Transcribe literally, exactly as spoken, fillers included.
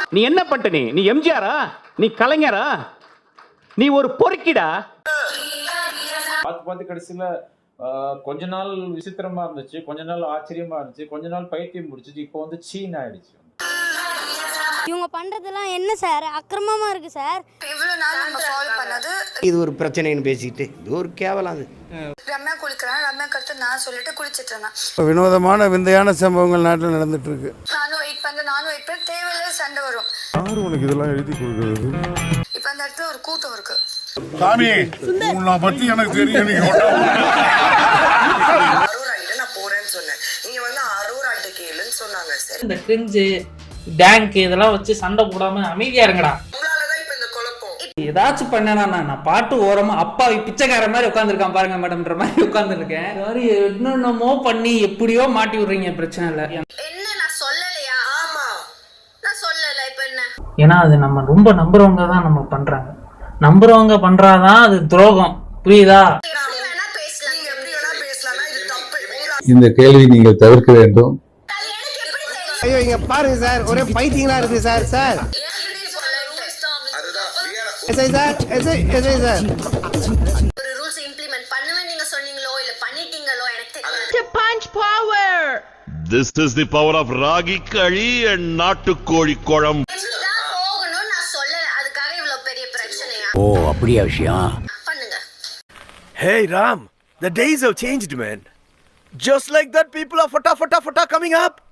நீ என்ன பண்ணிட்ட? நீ நீ எம்ஜிஆரா? நீ கலைஞரா? நீ ஒரு பொறுக்கிடா. பார்த்து பார்த்து கடைசியில் கொஞ்ச நாள் விசித்திரமா இருந்துச்சு, கொஞ்ச நாள் ஆச்சரியமா இருந்துச்சு, கொஞ்ச நாள் பைத்தியம் முடிச்சிச்சு, இப்போ வந்து சீன் ஆயிடுச்சு. இவங்க பண்றதெல்லாம் என்ன சார் அக்கிரமமா இருக்கு சார். இவ்வளவு நாள் நம்ம ஃபாலோ பண்ணது இது ஒரு பிரச்சனைன்னு பேசிட்டு இது ஒரு கேவலம். அது ரம்யா குளிக்கிறான், ரம்யா கருத்து நான் சொல்லிட்டு குளிச்சிட்டு இருந்தேன். வினோதமான விந்தையான சம்பவங்கள் நாட்டில் நடந்துட்டு இருக்கு. நானும் வெயிட் பண்றேன், நானும் வெயிட் பண்ண தேவையில்ல சண்டை வரும். யாரு உனக்கு இதெல்லாம் எழுதி கொடுக்குறது? இப்ப அந்த இடத்துல ஒரு கூட்டம் இருக்கு. சாமி உன்னை பத்தி எனக்கு தெரியும். நீங்க அரூராயிட்ட நான் போறேன்னு சொன்னேன், நீங்க வந்து அரூராயிட்ட கேளுன்னு சொன்னாங்க. சார் இந்த கிரிஞ்சு டேங்க் இதெல்லாம் வச்சு சண்டை போடாம அமைதியா இருங்கடா. உங்களாலதான் இப்ப இந்த குழப்பம். ஏதாச்சும் பண்ணனா நான் பாட்டு ஓரமா அப்பா பிச்சைக்கார மாதிரி உட்காந்துருக்கான் பாருங்க மேடம்ன்ற மாதிரி உட்காந்துருக்கேன். என்னென்னமோ பண்ணி எப்படியோ மாட்டி விடுறீங்க. பிரச்சனை இல்லை. என்ன நான் சொல்லலையா? ஆமா நான் சொல்லல. இப்ப என்ன? ஏன்னா அது நம்ம ரொம்ப நம்புறவங்க தான் நம்ம பண்றாங்க. நம்புறவங்க பண்றாதான் அது துரோகம். புரியுதா? இந்த கேள்வி நீங்கள் தவிர்க்க வேண்டும். ஐயோ இங்க பாருங்க சார், ஒரே பைத்தியங்களா இருக்கு sir. Sir SI sir, SI SI sir, ஒரு ரூல்ஸ் இம்ப்ளிமென்ட் பண்ணுவேன் நீங்க சொன்னீங்களோ இல்ல பண்ணிட்டீங்களோ எனக்கு தெரியல. Punch power. This is the power of ragi kali and நாட்டுக்கோழி குழம்பு. போகணும் நான் சொல்லல, அதுக்காக இவ்வளவு பெரிய பிரச்சனையா? ஓ அப்படியா விஷயம்? பண்ணுங்க. Hey Ram, the days have changed, man. Just like that, people are fata fata fata coming up.